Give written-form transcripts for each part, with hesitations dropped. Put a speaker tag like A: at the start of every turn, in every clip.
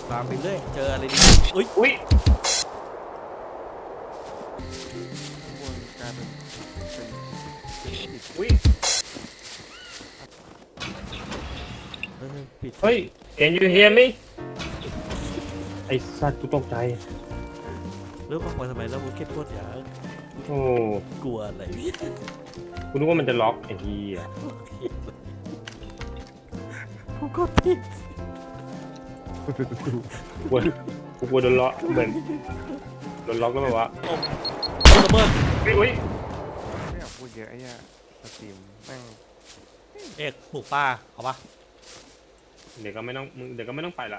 A: ฟาร์มไปเรื่อยเจออะไรดีอุ้ย
B: อุ้ย
C: ข้างบนกลายเป็นปิด
B: อุ้ย
A: ปิด
B: เฮ้ย Can you hear me ไอ้สัตว์กูตกใจ
A: เริ่มออกมาทำไมแล้วบุกเก็ตโคตรยาก
B: โอ้
A: กลัวอะไร
B: กูนึกว่ามันจะล็อกไอ้เหี้ย
A: กูกดผิด
B: กูกลัวโดนล็อกเหมือนโดนล็อกแล้วแบบว่า
A: ระเบิด
B: อุ้ย
C: ไม่อยากพูดเยอะไอ้เนี่ยสตรีมแม่ง
A: เอกปลูกปลาเอาปะ
B: เดี๋ยวก็ไม่ต้องไปละ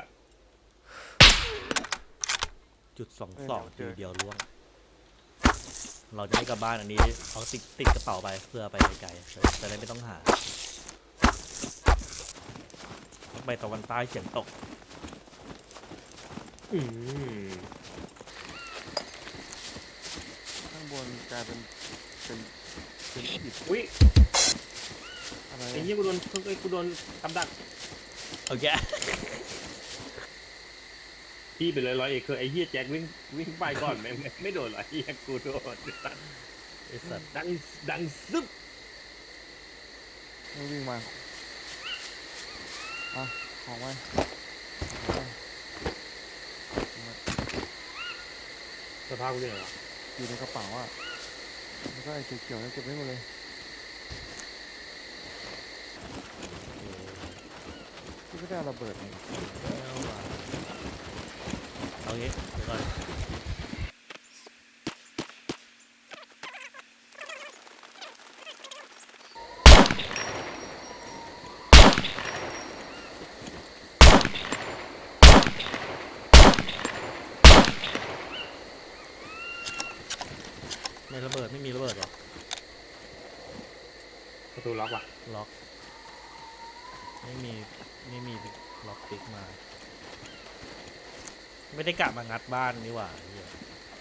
A: จุด22ทีเดียวล่วงเราจะให้กลับบ้านอันนี้เอาติดกระเป๋าไปเพื่อไปไกลๆจะได้ไม่ต้องหาไปตะวันใต้เฉียงตก
B: อืม
C: ข้างบนกลายเป็นปิด
B: อุ้ย
C: อะไร
B: ไอ้เหี้ยกูโดนกับดัก
A: โอเค
B: พี่ไปเลยร้อยเอกคือไอ้เหี้ยแจ็ควิ่งไปก่อนไม่โดนหรอไอ้เหี้ยกูโดน
A: ไอ้สัตว์
B: ดังซึบ
C: ไม่วิ่งมาอ่ะของไว้
B: สภาพกูเป็นไงวะ
C: อยู่ในกระเป๋าอ่ะแล้วก็ไอ้เขียวๆนี่เก็บไว้หมดเลยที่ไม่ได้เอาระเบิดนี่
A: เอางี้เดี๋ยวก่อนไม่ระเบิดไม่มีระเบิดหรอ
B: ประตูล็อกว่ะ
A: ล็อกไม่มีล็อกติ๊กมา ไม่ได้กะมางัดบ้านนี่หว่าเหี้ย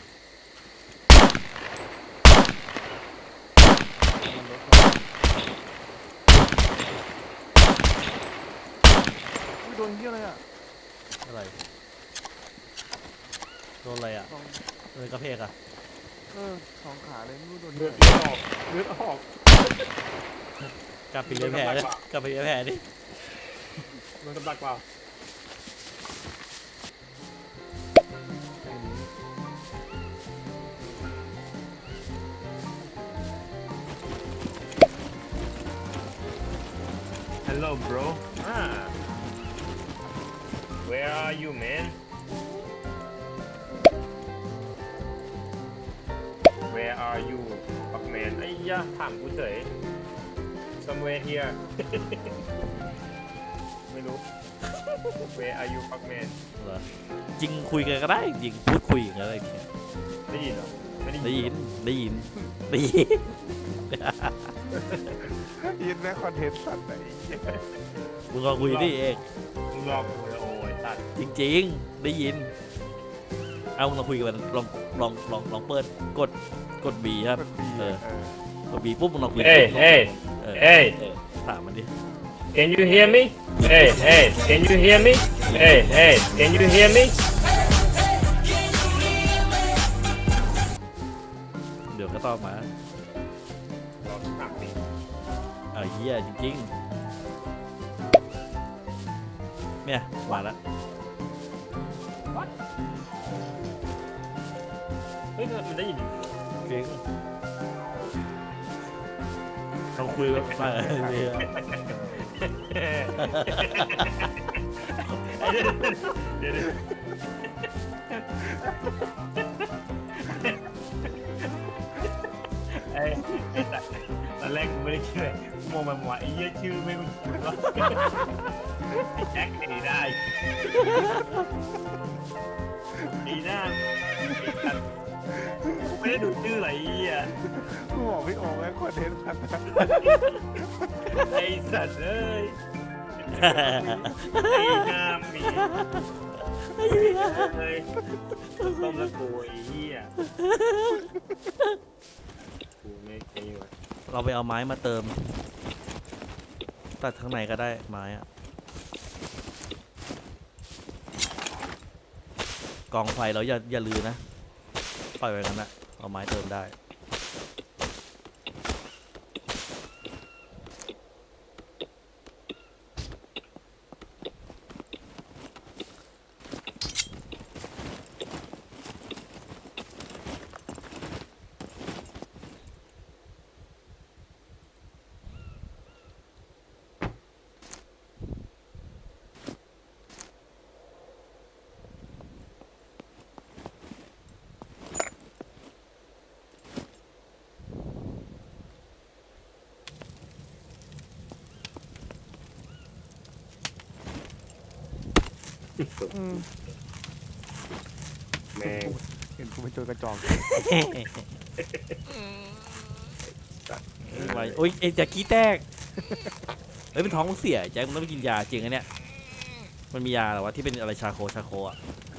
C: อุ้ยโดนเหี้ยอะไรอ่ะ
A: อะไรโดนอะไรอ่ะ
C: สอง
A: โดนกระเพกอ่ะ
C: สองขาเลยไม่รู้โดน
B: เลื
C: เหี้
B: อย ดออกเลือดออก
A: กลับไปเลี้ยแผลดิกลับไปเลี้ยแผลดิ
B: โดนกับดักเปล่า
C: ไอ้นี้
B: Hello bro Where are you man Where are you fuck man ไอ้ยะถามกูเฉย Somewhere here ไม่รู้ Where are you fuck man
A: เหรอจริงคุยกันก็ได้จริงพูดคุยกันอะไรเนี่ย
B: ได้ยินเหรอไม่ได้
A: ได้
B: ยิ
A: ยิ
B: น
A: นได้ยินได้ยิน
C: ยินแม่คอนเทนต์สัตว์ไหน
A: มึงลองคุยดิเอก
B: มึงรอกูเลยโอ้ยตัด
A: จริงๆได้ยินเอามึงลองคุยกันลองเปิดกดบีครับ
C: มันมี
A: เออกดบีปุ๊บมึงลองคุย
B: เอ้ยเอ้ย
A: เออ
B: เอ้ย
A: ถามมันดิ
B: Can you hear me Hey Can you hear me Hey Can you hear me
A: เดี๋ยวก็ตอบมา
B: รอถามดิ
A: เอาเหี้ยจริงๆเนี่ยมาแล้ว
B: เฮ้ยมันได้ยิน
A: จริงลองคุยแบบไปเนี่ย
B: เดี๋ยวไอ้สัตว์ตอนแรกกูไม่ได้คิดเลยกูมองมันว่าไอ้เหี้ยชื่อไม่คุ้นว่าไอ้แจ็คไอ้ได้ไอ้หน้าไอ้สัตว์กูไม่ได้ดูชื่ออะไรไอ้เหี้ย
C: กูบอกพี่โอ้แม่คอนเทนต์สัตว์
B: ไอ้สัตว์เอ้ยไอ้หน้ามีเฮ้ยต้มแล้วกูไอ้เหี้ยกูไม่ไอ้วะ
A: เราไปเอาไม้มาเติม ตัดข้างในก็ได้ไม้อะกองไฟแล้วอย่าลือนะปล่อยไว้กันนะเอาไม้เติมได้
C: อืม
B: แม่ง
C: เห็นกูเป็นโจรกระจอก
A: ไว้โอ้ยแจ็คกี้แตกเฮ้ยเป็นท้องมึงเสียแจ็คมึงต้องไปกินยาจริงอันเนี้ยมันมียาเหรอวะที่เป็นอะไรชาโคอ่ะ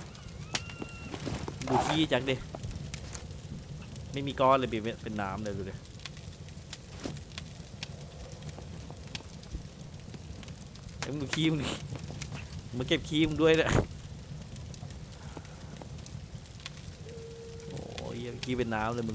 A: ดูขี้แจ็คดิไม่มีก้อนเลยเป็นน้ำเลยดูดิเอ้ยมึงดูขี้มึงดิมึงเก็บขี้มึงด้วยเนี่ยโอ้ยขี้เป็นน้ำเลยมึง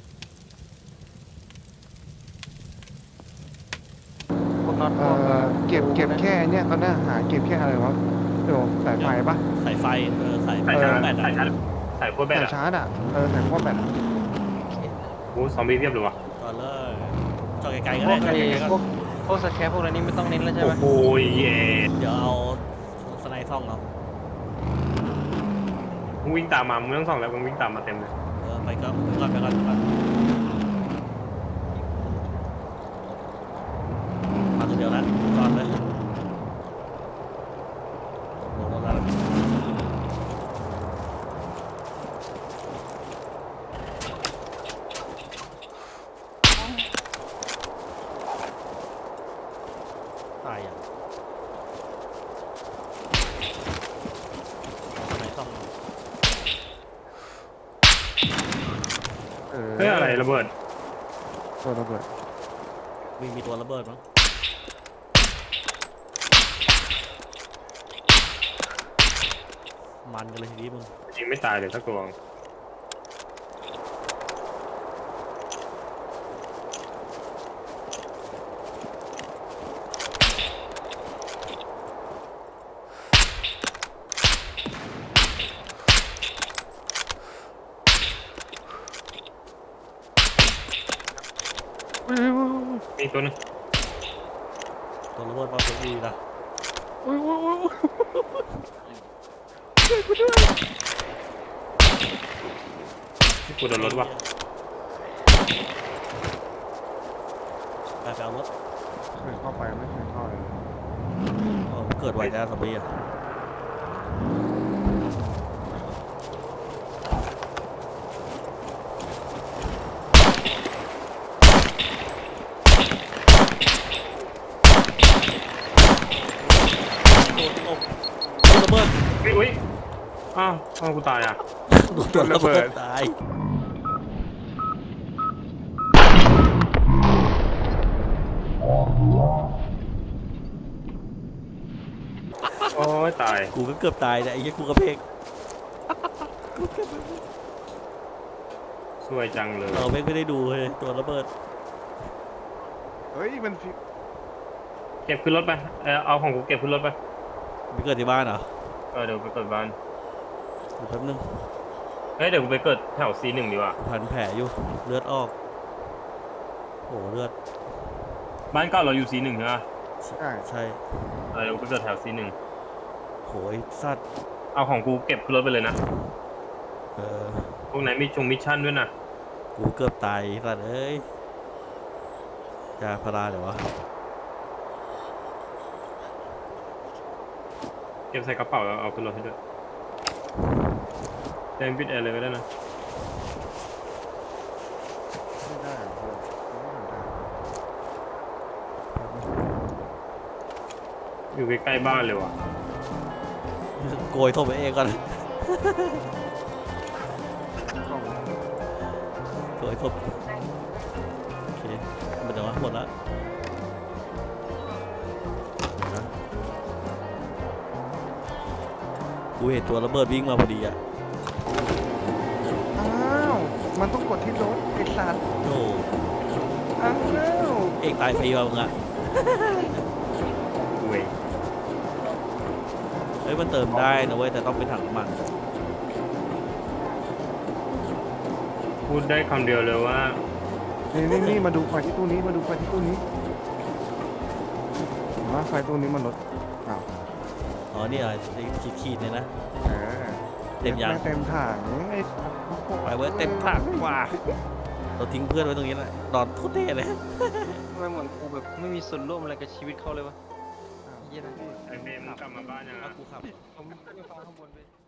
D: พวกน็อตพวก
C: เก็บแค่เนี่ยตอนนี้หาเก็บแค่อะไรวะเดี๋ยวสายไฟปะ
A: สายไฟสาย
B: ใส่ชาร์จ
A: แบต
B: ใส่ชาร์จใส่พวกแบต
C: สาย
B: อะ
C: ชาร์จสายพวกแบต
B: โอ้ซอมบี้เพียบเลยวะ
A: ก่อนเลยจอดไกลๆก็
D: พว
A: ได้
D: ก
A: จอด
D: ไอ้
A: ไกลๆก็
D: พวกสแครปพวกอะไรนี้ไม่ต้องเน้นแล้วใช่ไหม
B: โอ้ยเย่
A: เดี๋ยวเอาสไนด์ซ่องเอา
B: มึงวิ่งตามมามึงไม่ต้องส่องแล้วมึงวิ่งตามมาเต็มเลย
A: ไปก่อนมาตัวเดียวนะจอดเลยลงรถแล้วตายอ่ะสไนด์ซ่อง
B: เฮ้ยอะไรระเบิด
C: ตัวระเบิด
A: มีตัวระเบิดมั้งมันกันเลยทีนี้มึง
B: ยิงไม่ตายเลยสักตัวมีตัวนึง
A: ตัวระเบิดมาเป็นดีนะ
B: ที่กูโดนรถวะ
A: ไปเอารถ
C: เคยเข้าไปไม่เคยเข้าเลย
A: เกิดไวจ้าสบีอ่ะโอ้ระเบิด
B: อุ้ยอ้าวกูตายอ่ะ
A: ตัวระเบิดตาย
B: โอ้ยตาย
A: กูก็เกือบตายนะไอ้ยี่กูกระเพก
B: สวยจังเลย
A: เราไม่ได้ดูเลยตัวระเบิด
C: เฮ้ยมัน
B: เก็บขึ้นรถไปเอาของกูเก็บขึ้นรถไป
A: ไม่เกิดที่บ้านเหรอ
B: เดี๋ยวไปเกิดบ้าน
A: เดี๋ยวแป๊บนึง
B: เฮ้ยเดี๋ยวกูไปเกิดแถว C1 ดีกว่า
A: พันแผลอยู่เลือดออกโอ้เลือด
B: บ้านเก่าเราอยู่ C1 ใช่ไหม
A: ใช่
B: เดี๋ยวกูไปเกิดแถว C1
A: โหยสัตว์
B: เอาของกูเก็บขึ้นรถไปเลยนะ พวกไหนมีมิชชั่นด้วยนะ
A: กูเกือบตายสัตว์เอ้ยยาพาราเดี๋ยววะ
B: เก็บใส่กระเป๋าแล้วเอาขึ้นรถให้ด้วยแจ้งปิดแอร์เลยก็ได้นะ
C: ไม่ได้เพื่อนไม่ทำได้
B: อยู่ใกล้ๆบ้านเลยว่ะ
A: โกยโทษไปเองก่อน
C: ต้อง
A: โกยโทษโอเคหมดแล้วหมดแล้วกูเห็นตัวระเบิดวิ่งมาพอดีอ่ะ
C: มันต้องกดที่รถไอ้สัตว์
A: โอ้
C: อ้าว
A: เอกตายฟรีว่ะมึงอะ
B: เว้ย
A: เฮ้ยมันเติมได้นะเว้ยแต่ต้องเป็นถังน้ำมัน
B: พูดได้คำเดียวเลยว่า
C: นี่มาดูไฟที่ตู้นี้มาดูไฟที่ตู้นี้มาไฟตู้นี้มันลดอ้าว
A: อ๋อนี่อะไรขีดๆเนี่ยนะ
C: เออ
A: เต็มยัง
C: แงเต็มถังไอ้
A: ไปเว้ยเต็มถังกว่าเราทิ้งเพื่อนไว้ตรงนี้แหละนอนโคตรเท่เลย
D: ทำไมเหมือนกูแบบไม่มีส่วนร่วมอะไรกับชีวิตเขาเลยวะเหี้ยนะ
B: ไอเมย์มึงกลับมาบ้านยัง
A: ถ้า
B: อะ
A: กูขับ
D: ผมขึ้นไปฟังข้างบนไป